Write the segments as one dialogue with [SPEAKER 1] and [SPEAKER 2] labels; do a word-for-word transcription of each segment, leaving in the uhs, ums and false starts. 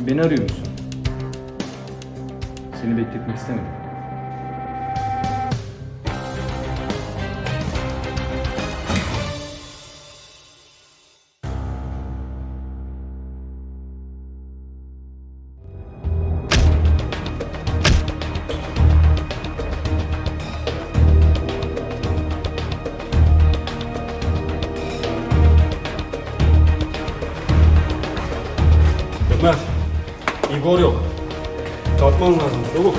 [SPEAKER 1] Beni arıyor musun? Seni bekletmek istemedim.
[SPEAKER 2] Ömer, Igor yok. Kalkman lazım, çabuk.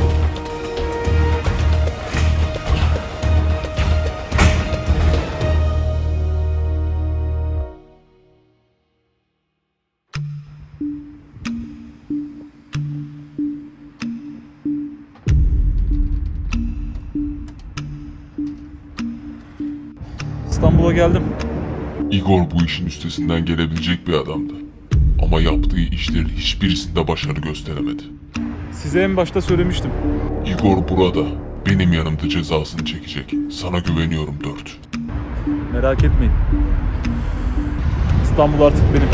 [SPEAKER 1] İstanbul'a geldim.
[SPEAKER 3] Igor bu işin üstesinden gelebilecek bir adamdı. Ama yaptığı işlerin hiçbirisinde başarı gösteremedi.
[SPEAKER 1] Size en başta söylemiştim.
[SPEAKER 3] Igor burada. Benim yanımda cezasını çekecek. Sana güveniyorum Dört.
[SPEAKER 1] Merak etmeyin. İstanbul artık benim.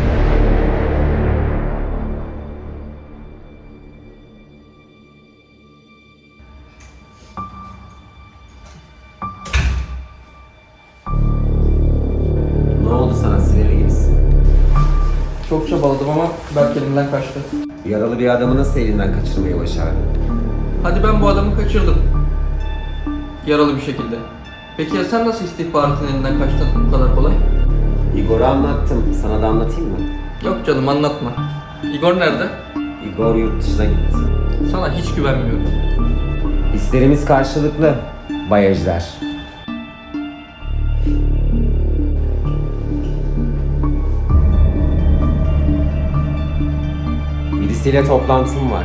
[SPEAKER 4] Ne oldu sana, sinirli gibisin?
[SPEAKER 5] Çok çabaladım ama Berk elimden kaçtı.
[SPEAKER 4] Yaralı bir adamı nasıl elinden kaçırmayı başardın?
[SPEAKER 5] Hadi ben bu adamı kaçırdım. Yaralı bir şekilde. Peki ya sen nasıl istihbaratın elinden kaçtın bu kadar kolay?
[SPEAKER 4] Igor'u anlattım. Sana da anlatayım mı?
[SPEAKER 5] Yok canım, anlatma. Igor nerede?
[SPEAKER 4] Igor yurt dışına gitti.
[SPEAKER 5] Sana hiç güvenmiyorum.
[SPEAKER 4] Hislerimiz karşılıklı. Bay Ejder. Birisiyle toplantım var.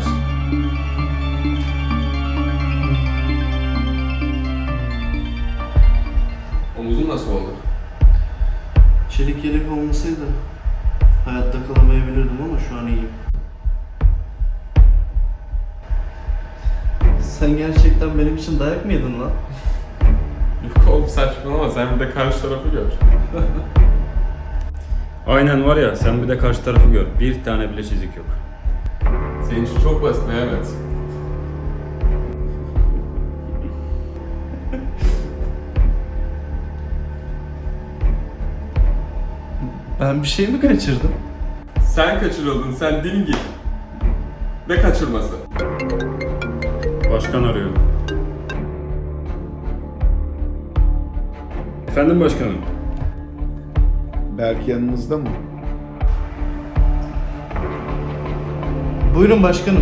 [SPEAKER 6] Omuzun nasıl oldu?
[SPEAKER 7] Çelik yelek olmasaydı hayatta kalamayabilirdim ama şu an iyiyim. Sen gerçekten benim için dayak mı yedin lan?
[SPEAKER 6] Yok oğlum saçmalama, sen bir de karşı tarafı gör.
[SPEAKER 2] Aynen var ya, sen bir de karşı tarafı gör. Bir tane bile çizik yok.
[SPEAKER 6] Senin için çok basit Mehmet.
[SPEAKER 7] Ben bir şey mi kaçırdım?
[SPEAKER 6] Sen kaçırıldın, sen dingil. Ne kaçırması?
[SPEAKER 2] Başkan arıyor. Efendim başkanım.
[SPEAKER 8] Berk yanınızda mı?
[SPEAKER 7] Buyurun başkanım.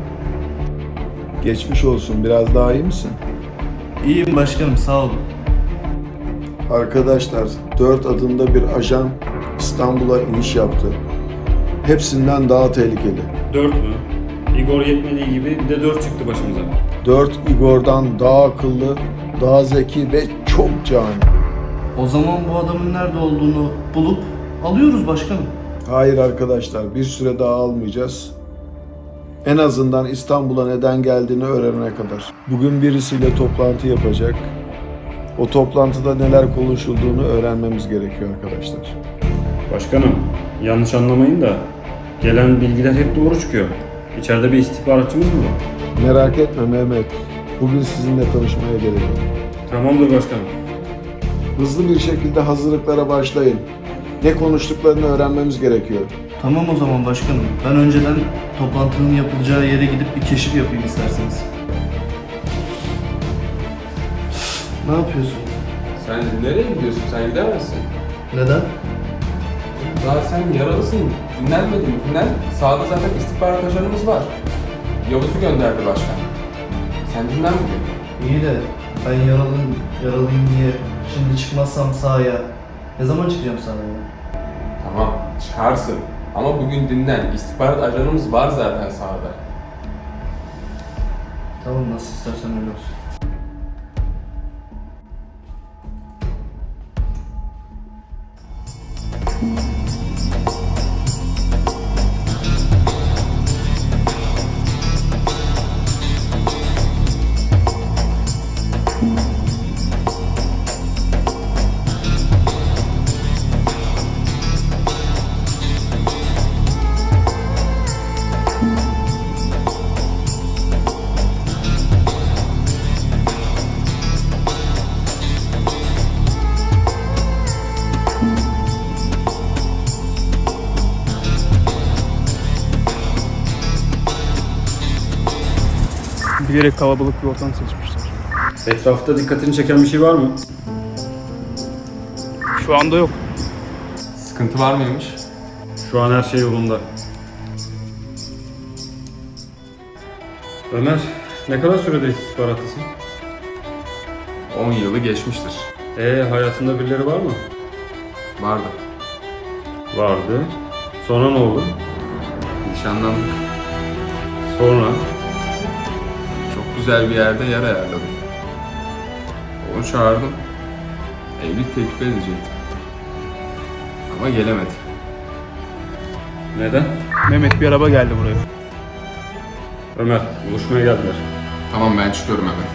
[SPEAKER 8] Geçmiş olsun. Biraz daha iyi misin?
[SPEAKER 7] İyiyim başkanım, sağ olun.
[SPEAKER 8] Arkadaşlar, Dört adında bir ajan İstanbul'a iniş yaptı. Hepsinden daha tehlikeli.
[SPEAKER 2] Dört mü? Igor yetmediği gibi bir de dört çıktı başımıza.
[SPEAKER 8] Dört Igor'dan daha akıllı, daha zeki ve çok cani.
[SPEAKER 7] O zaman bu adamın nerede olduğunu bulup alıyoruz başkanım.
[SPEAKER 8] Hayır arkadaşlar, bir süre daha almayacağız. En azından İstanbul'a neden geldiğini öğrenene kadar. Bugün birisiyle toplantı yapacak. O toplantıda neler konuşulduğunu öğrenmemiz gerekiyor arkadaşlar.
[SPEAKER 2] Başkanım, yanlış anlamayın da gelen bilgiler hep doğru çıkıyor. İçeride bir istihbaratçımız mı var?
[SPEAKER 8] Merak etme Mehmet. Bugün sizinle tanışmaya gelelim.
[SPEAKER 2] Tamamdır başkanım.
[SPEAKER 8] Hızlı bir şekilde hazırlıklara başlayın. Ne konuştuklarını öğrenmemiz gerekiyor.
[SPEAKER 7] Tamam o zaman başkanım. Ben önceden toplantının yapılacağı yere gidip bir keşif yapayım isterseniz. Ne yapıyorsun?
[SPEAKER 6] Sen nereye gidiyorsun? Sen gidemezsin.
[SPEAKER 7] Neden?
[SPEAKER 6] Daha sen yaralısın. Dinlenmedin. Dinlen. Sağda zaten istihbarat ajanımız var. Yavuz'u gönderdi başkan. Sen dinlen bugün.
[SPEAKER 7] İyi de ben yaralıyım, yaralıyım diye şimdi çıkmazsam sahaya ne zaman çıkacağım sahaya?
[SPEAKER 6] Tamam, çıkarsın. Ama bugün dinlen. İstihbarat ajanımız var zaten sahada.
[SPEAKER 7] Tamam, nasıl istersen öyle olsun.
[SPEAKER 9] Bilerek kalabalık bir ortam seçmişler.
[SPEAKER 2] Etrafta dikkatini çeken bir şey var mı?
[SPEAKER 9] Şu anda yok.
[SPEAKER 6] Sıkıntı var mıymış?
[SPEAKER 2] Şu an her şey yolunda. Ömer, ne kadar süredir istihbarattasın?
[SPEAKER 6] on yılı geçmiştir.
[SPEAKER 2] Ee, hayatında birileri var mı?
[SPEAKER 6] Vardı.
[SPEAKER 2] Vardı. Sonra ne oldu?
[SPEAKER 6] Nişanlandık.
[SPEAKER 2] Sonra?
[SPEAKER 6] Çok güzel bir yerde yer ayarladım. Onu çağırdım. Evlilik teklif edecektim. Ama gelemedi.
[SPEAKER 2] Neden?
[SPEAKER 9] Mehmet bir araba geldi buraya.
[SPEAKER 2] Ömer, buluşmaya geldiler.
[SPEAKER 6] Tamam, ben çıkıyorum hemen.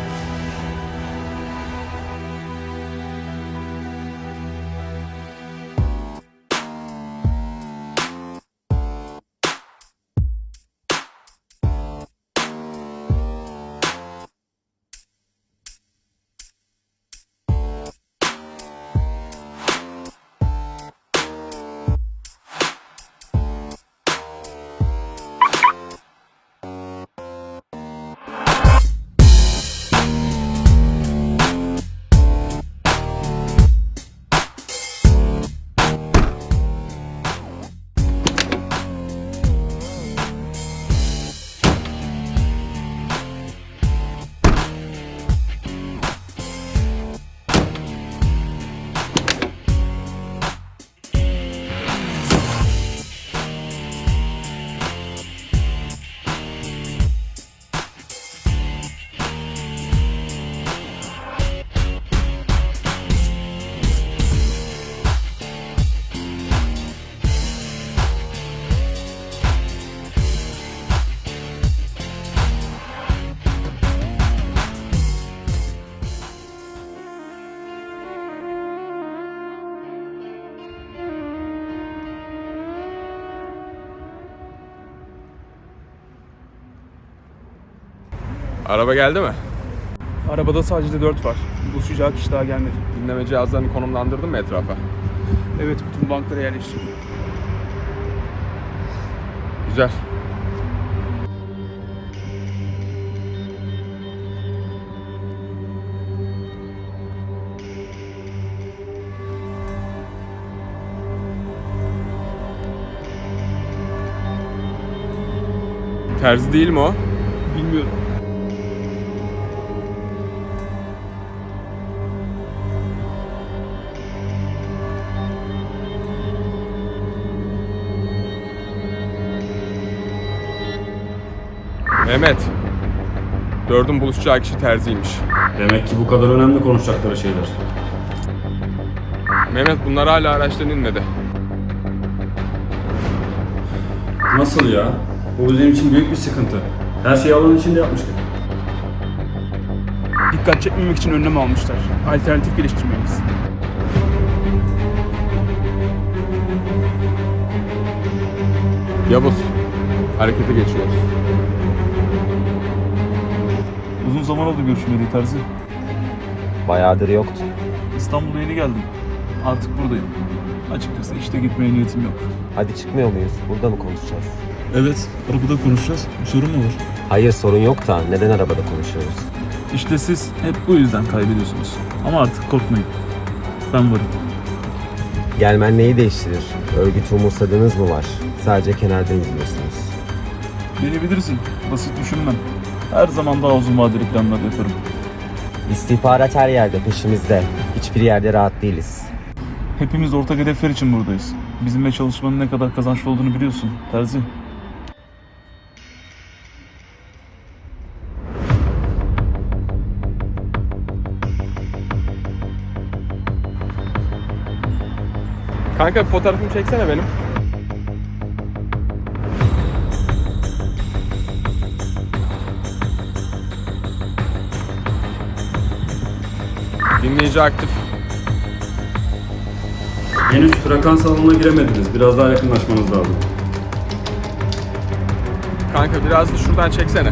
[SPEAKER 10] Araba geldi mi?
[SPEAKER 9] Arabada sadece dört var. Buluşacağı kişi daha gelmedi.
[SPEAKER 10] Dinleme cihazlarını konumlandırdın mı etrafa?
[SPEAKER 9] Evet, bütün banklara yerleştirdim.
[SPEAKER 10] Güzel. Terzi değil mi o?
[SPEAKER 9] Bilmiyorum.
[SPEAKER 10] Mehmet. Dördün buluşacağı kişi terziymiş.
[SPEAKER 2] Demek ki bu kadar önemli konuşacakları şeyler.
[SPEAKER 10] Mehmet, bunlar hala araçtan inmedi.
[SPEAKER 2] Nasıl ya? Bu bizim için büyük bir sıkıntı. Her şeyi alanın içinde yapmıştık.
[SPEAKER 9] Dikkat çekmemek için önlem almışlar. Alternatif geliştirmeliyiz.
[SPEAKER 10] Yavuz. Harekete geçiyoruz.
[SPEAKER 1] Uzun zaman oldu görüşmeyeli Terzi.
[SPEAKER 4] Bayağıdır yoktu.
[SPEAKER 1] İstanbul'a yeni geldim. Artık buradayım. Açıkçası işte gitmeye niyetim yok.
[SPEAKER 4] Hadi çıkmıyor muyuz? Burada mı konuşacağız?
[SPEAKER 1] Evet, arabada konuşacağız. Bir sorun mu olur?
[SPEAKER 4] Hayır, sorun yok da neden arabada konuşuyoruz?
[SPEAKER 1] İşte siz hep bu yüzden kaybediyorsunuz. Ama artık korkmayın. Ben varım.
[SPEAKER 4] Gelmen neyi değiştirir? Örgütü umursadığınız mı var? Sadece kenardan izliyorsunuz.
[SPEAKER 1] Beni bilirsin. Basit düşünmem. Her zaman daha uzun vadeli planlar yaparım.
[SPEAKER 4] İstihbarat her yerde, peşimizde. Hiçbir yerde rahat değiliz.
[SPEAKER 1] Hepimiz ortak hedefler için buradayız. Bizimle çalışmanın ne kadar kazançlı olduğunu biliyorsun Terzi.
[SPEAKER 10] Kanka, bir fotoğrafımı çeksene benim. Dinleyici aktif.
[SPEAKER 2] Henüz frekans alanına giremediniz. Biraz daha yakınlaşmanız lazım.
[SPEAKER 10] Kanka, biraz da şuradan çeksene.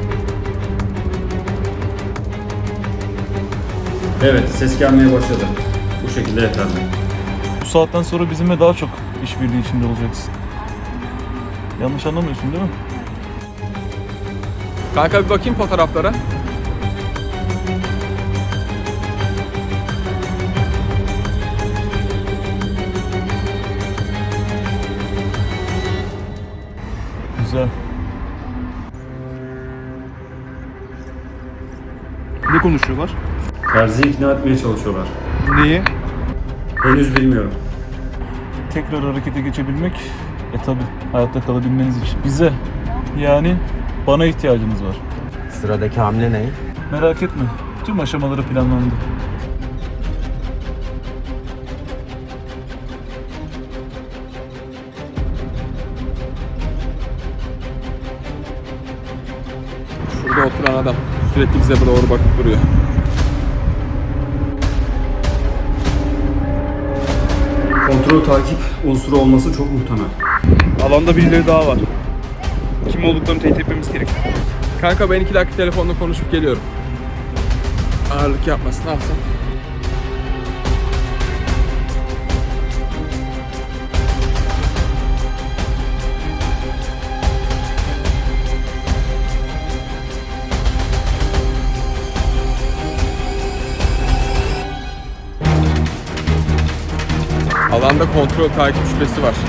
[SPEAKER 2] Evet, ses gelmeye başladı. şekilde yeterli.
[SPEAKER 1] Bu saatten sonra bizimle daha çok işbirliği içinde olacaksın. Yanlış anlamıyorsun değil mi?
[SPEAKER 10] Kanka bir bakayım fotoğraflara.
[SPEAKER 1] Güzel.
[SPEAKER 9] Ne konuşuyorlar?
[SPEAKER 2] Terzi'yi ikna etmeye çalışıyorlar.
[SPEAKER 9] Neyi?
[SPEAKER 2] Henüz bilmiyorum.
[SPEAKER 1] Tekrar harekete geçebilmek, e tabi hayatta kalabilmeniz için. Bize, yani bana ihtiyacınız var.
[SPEAKER 4] Sıradaki hamle ne?
[SPEAKER 1] Merak etme, tüm aşamaları planlandı.
[SPEAKER 10] Şurada oturan adam sürekli bize doğru bakıp duruyor.
[SPEAKER 2] Kontrol takip unsuru olması çok muhtemel.
[SPEAKER 9] Alanda birileri daha var. Kim olduklarını teyit etmemiz gerek.
[SPEAKER 10] Kanka ben iki dakika telefonla konuşup geliyorum. Ağırlık yapmasın, ne yapsın? Alanda kontrol takip şüphesi var.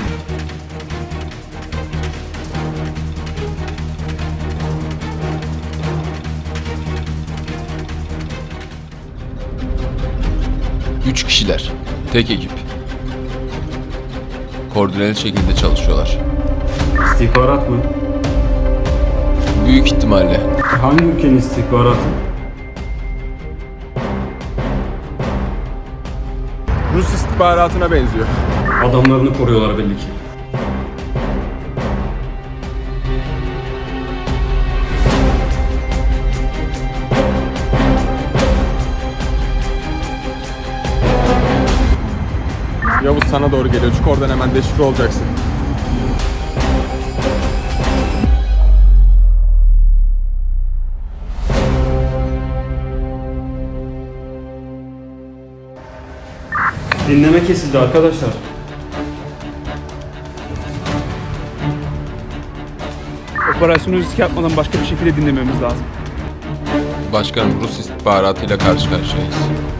[SPEAKER 11] Üç kişiler. Tek ekip. Koordineli şekilde çalışıyorlar.
[SPEAKER 2] İstihbarat mı?
[SPEAKER 11] Büyük ihtimalle.
[SPEAKER 2] Hangi ülkenin istihbaratı?
[SPEAKER 10] Rus istihbaratına benziyor.
[SPEAKER 2] Adamlarını koruyorlar belli ki.
[SPEAKER 10] Yavuz sana doğru geliyor. Çık oradan, hemen deşifre olacaksın.
[SPEAKER 2] Dinleme kesildi arkadaşlar.
[SPEAKER 9] Operasyonu riske atmadan başka bir şekilde dinlememiz lazım.
[SPEAKER 11] Başkanım, Rus istihbaratıyla karşı karşıyayız.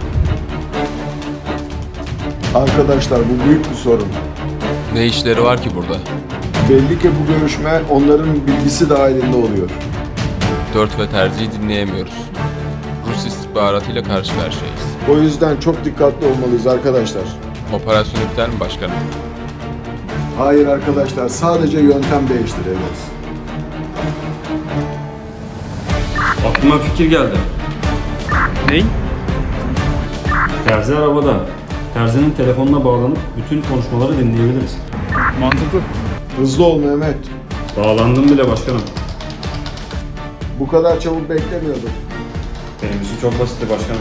[SPEAKER 8] Arkadaşlar bu büyük bir sorun.
[SPEAKER 11] Ne işleri var ki burada?
[SPEAKER 8] Belli ki bu görüşme onların bilgisi dahilinde oluyor.
[SPEAKER 11] Dört ve Terzi'yi dinleyemiyoruz. Rus istihbaratıyla karşı karşıyayız.
[SPEAKER 8] O yüzden çok dikkatli olmalıyız arkadaşlar.
[SPEAKER 11] Operasyon iptal mi başkanım?
[SPEAKER 8] Hayır arkadaşlar, sadece yöntem değiştireceğiz.
[SPEAKER 2] Aklıma fikir geldi.
[SPEAKER 9] Ney?
[SPEAKER 2] Terzi arabada. Terzi'nin telefonuna bağlanıp bütün konuşmaları dinleyebiliriz.
[SPEAKER 9] Mantıklı.
[SPEAKER 8] Hızlı ol Mehmet.
[SPEAKER 2] Bağlandım bile başkanım.
[SPEAKER 8] Bu kadar çabuk beklemiyordum.
[SPEAKER 2] Benim için çok basitti başkanım.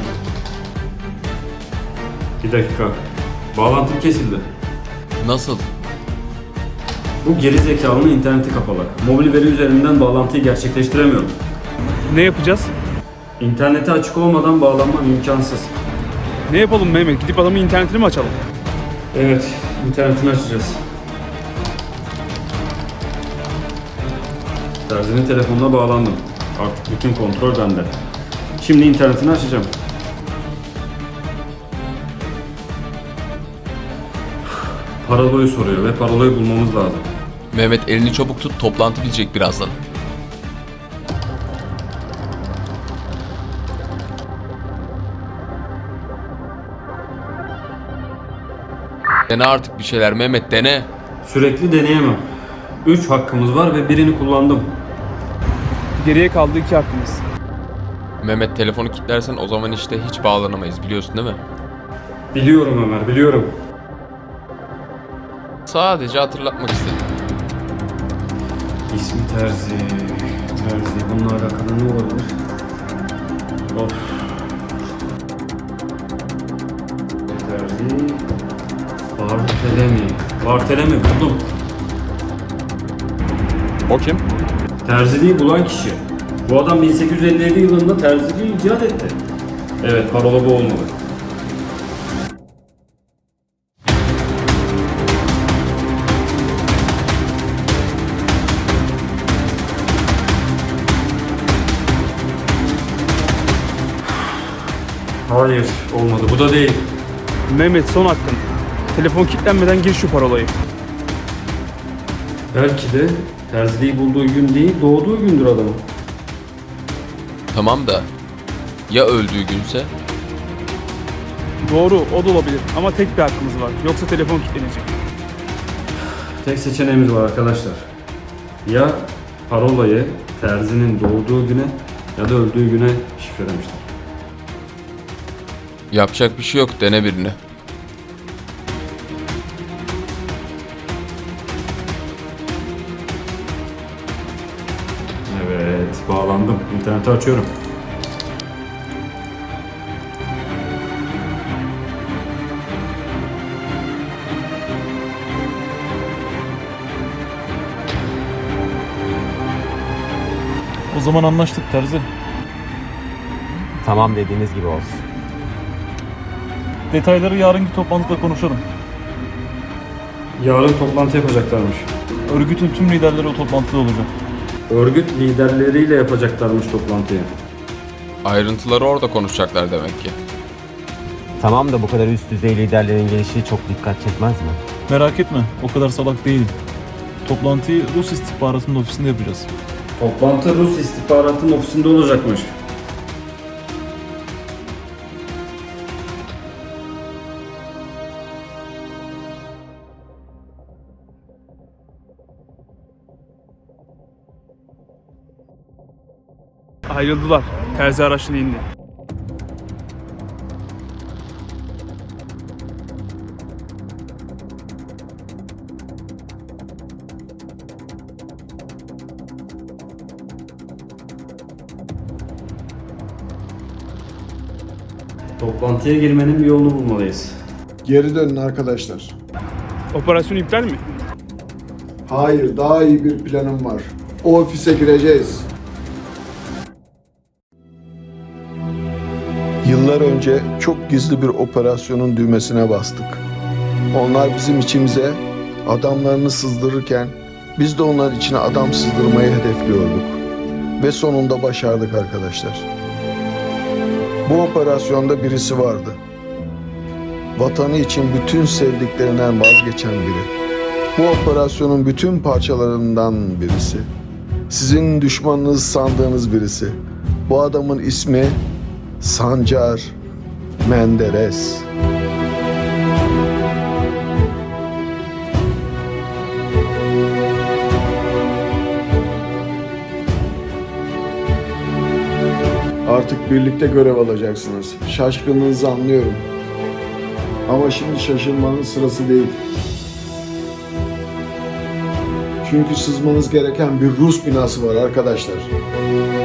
[SPEAKER 2] Bir dakika. Bağlantım kesildi.
[SPEAKER 11] Nasıl?
[SPEAKER 2] Bu geri zekalının interneti kapalı. Mobil veri üzerinden bağlantıyı gerçekleştiremiyorum.
[SPEAKER 9] Ne yapacağız?
[SPEAKER 2] İnterneti açık olmadan bağlanmam imkansız.
[SPEAKER 9] Ne yapalım Mehmet? Gidip adamın internetini mi açalım?
[SPEAKER 2] Evet, internetini açacağız. Terzi'nin telefonuna bağlandım. Artık bütün kontrol bende. Şimdi internetini açacağım. Paroloyu soruyor ve paroloyu bulmamız lazım.
[SPEAKER 11] Mehmet, elini çabuk tut, toplantı bitecek birazdan. Dene artık bir şeyler Mehmet, dene.
[SPEAKER 2] Sürekli deneyemem. Üç hakkımız var ve birini kullandım.
[SPEAKER 9] Geriye kaldı iki hakkımız.
[SPEAKER 11] Mehmet, telefonu kilitlersen o zaman işte hiç bağlanamayız, biliyorsun değil mi?
[SPEAKER 2] Biliyorum Ömer, biliyorum.
[SPEAKER 11] Sadece hatırlatmak istedim.
[SPEAKER 2] İsmi Terzi. Terzi. Bununla alakalı ne olabilir? Of. Terzi. Bartelemi. Bartelemi buldum.
[SPEAKER 10] O kim?
[SPEAKER 2] Terziliği bulan kişi. Bu adam bin sekiz yüz elli yedi yılında terziliği icat etti. Evet, parola bu olmalı. Hayır, olmadı. Bu da değil.
[SPEAKER 9] Mehmet son hakkın. Telefon kilitlenmeden gir şu parolayı.
[SPEAKER 2] Belki de terziliği bulduğu gün değil, doğduğu gündür adamın.
[SPEAKER 11] Tamam da ya öldüğü günse?
[SPEAKER 9] Doğru, o da olabilir ama tek bir hakkımız var. Yoksa telefon kilitlenecek.
[SPEAKER 2] Tek seçeneğimiz var arkadaşlar. Ya parolayı terzinin doğduğu güne ya da öldüğü güne şifrelemişler.
[SPEAKER 11] Yapacak bir şey yok, dene birini.
[SPEAKER 2] Evet, bağlandım. İnterneti açıyorum.
[SPEAKER 1] O zaman anlaştık Terzi.
[SPEAKER 4] Tamam dediğiniz gibi olsun.
[SPEAKER 1] Detayları yarınki toplantıda konuşalım.
[SPEAKER 2] Yarın toplantı yapacaklarmış.
[SPEAKER 1] Örgütün tüm liderleri o toplantıda olacak.
[SPEAKER 2] Örgüt liderleriyle yapacaklarmış toplantıyı.
[SPEAKER 11] Ayrıntıları orada konuşacaklar demek ki.
[SPEAKER 4] Tamam da bu kadar üst düzey liderlerin gelişi çok dikkat çekmez mi?
[SPEAKER 1] Merak etme, o kadar salak değilim. Toplantıyı Rus istihbaratının ofisinde yapacağız.
[SPEAKER 2] Toplantı Rus istihbaratının ofisinde olacakmış.
[SPEAKER 9] Ayrıldılar. Terzi araçtan indi.
[SPEAKER 2] Toplantıya girmenin bir yolunu bulmalıyız.
[SPEAKER 8] Geri dönün arkadaşlar.
[SPEAKER 9] Operasyon iptal mi?
[SPEAKER 8] Hayır, daha iyi bir planım var. O ofise gireceğiz. Yıllar önce çok gizli bir operasyonun düğmesine bastık. Onlar bizim içimize adamlarını sızdırırken biz de onlar içine adam sızdırmayı hedefliyorduk. Ve sonunda başardık arkadaşlar. Bu operasyonda birisi vardı. Vatanı için bütün sevdiklerinden vazgeçen biri. Bu operasyonun bütün parçalarından birisi. Sizin düşmanınız sandığınız birisi. Bu adamın ismi Sancar Menderes. Artık birlikte görev alacaksınız. Şaşkınlığınızı anlıyorum. Ama şimdi şaşırmanın sırası değil. Çünkü sızmanız gereken bir Rus binası var arkadaşlar.